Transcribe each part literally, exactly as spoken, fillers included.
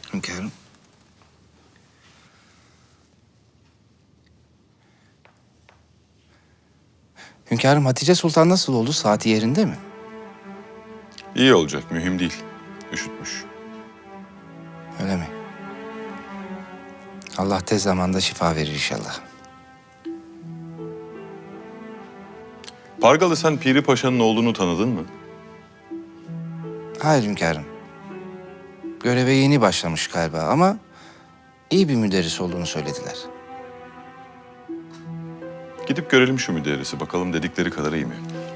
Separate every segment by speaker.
Speaker 1: Hünkârım. Hünkârım, Hatice Sultan nasıl oldu? Saati yerinde mi?
Speaker 2: İyi olacak, mühim değil. Üşütmüş.
Speaker 1: Öyle mi? Allah tez zamanda şifa verir inşallah.
Speaker 2: Pargalı, sen Piri Paşa'nın oğlunu tanıdın mı?
Speaker 1: Hayır hünkârım. Göreve yeni başlamış galiba ama iyi bir müderris olduğunu söylediler.
Speaker 2: Gidip görelim şu müderrisi, bakalım dedikleri kadar iyi mi?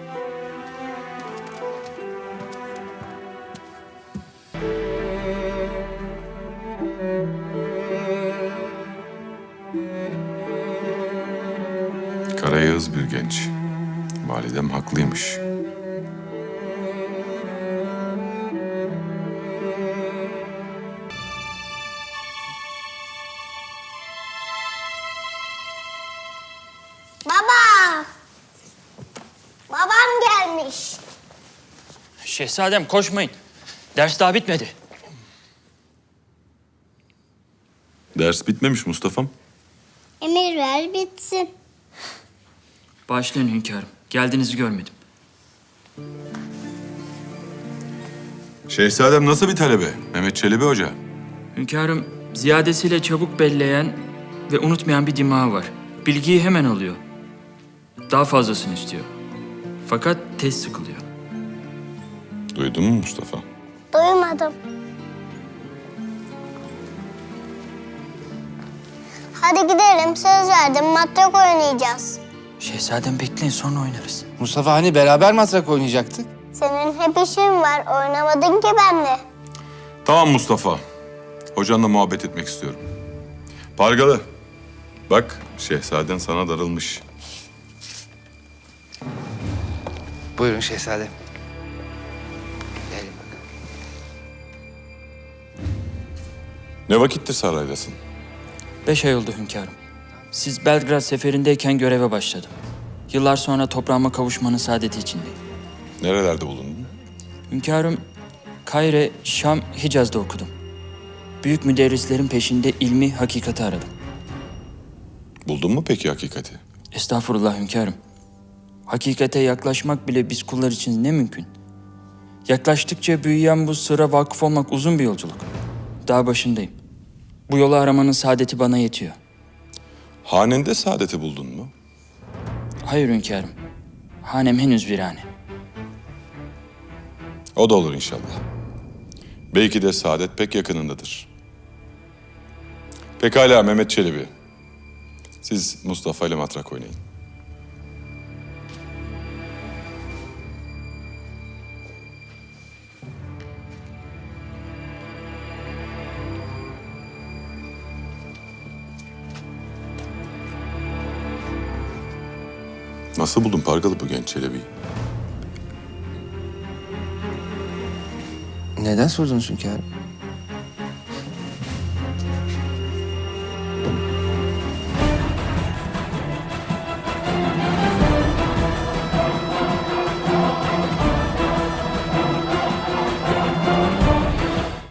Speaker 2: Karayağız bir genç. Validem haklıymış.
Speaker 3: Baba! Babam gelmiş.
Speaker 4: Şehzadem koşmayın. Ders daha bitmedi.
Speaker 2: Ders bitmemiş Mustafa'm.
Speaker 3: Emir ver bitsin.
Speaker 4: Bağışlayın hünkârım. Geldiğinizi görmedim.
Speaker 2: Şehzadem nasıl bir talebe? Mehmet Çelebi Hoca.
Speaker 4: Hünkârım ziyadesiyle çabuk belleyen ve unutmayan bir dimağı var. Bilgiyi hemen alıyor. Daha fazlasını istiyor. Fakat tez sıkılıyor.
Speaker 2: Duydun mu Mustafa?
Speaker 3: Duymadım. Hadi gidelim, söz verdim, matrak oynayacağız.
Speaker 4: Şehzadem bekleyin, sonra oynarız.
Speaker 1: Mustafa, hani beraber matrak oynayacaktık?
Speaker 3: Senin hep işin var, oynamadın ki benimle.
Speaker 2: Tamam Mustafa. Hocanla muhabbet etmek istiyorum. Pargalı. Bak, şehzaden sana darılmış.
Speaker 1: Buyurun şehzadem. Gelin bakalım.
Speaker 2: Ne vakittir saraydasın?
Speaker 4: Beş ay oldu hünkârım. Siz Belgrad seferindeyken göreve başladım. Yıllar sonra toprağıma kavuşmanın saadeti içindeyim.
Speaker 2: Nerelerde bulundun?
Speaker 4: Hünkârım, Kahire, Şam, Hicaz'da okudum. Büyük müderrislerin peşinde ilmi, hakikati aradım.
Speaker 2: Buldun mu peki hakikati?
Speaker 4: Estağfurullah hünkârım. Hakikate yaklaşmak bile biz kullar için ne mümkün. Yaklaştıkça büyüyen bu sıra vakıf olmak uzun bir yolculuk. Daha başındayım. Bu yolu aramanın saadeti bana yetiyor.
Speaker 2: Hanende saadeti buldun mu?
Speaker 4: Hayır hünkârım. Hanem henüz virane.
Speaker 2: O da olur inşallah. Belki de saadet pek yakınındadır. Pekala Mehmet Çelebi. Siz Mustafa ile matrak oynayın. Nasıl buldun Pargalı bu genç Çelebi'yi?
Speaker 1: Neden sordunuz hünkârım?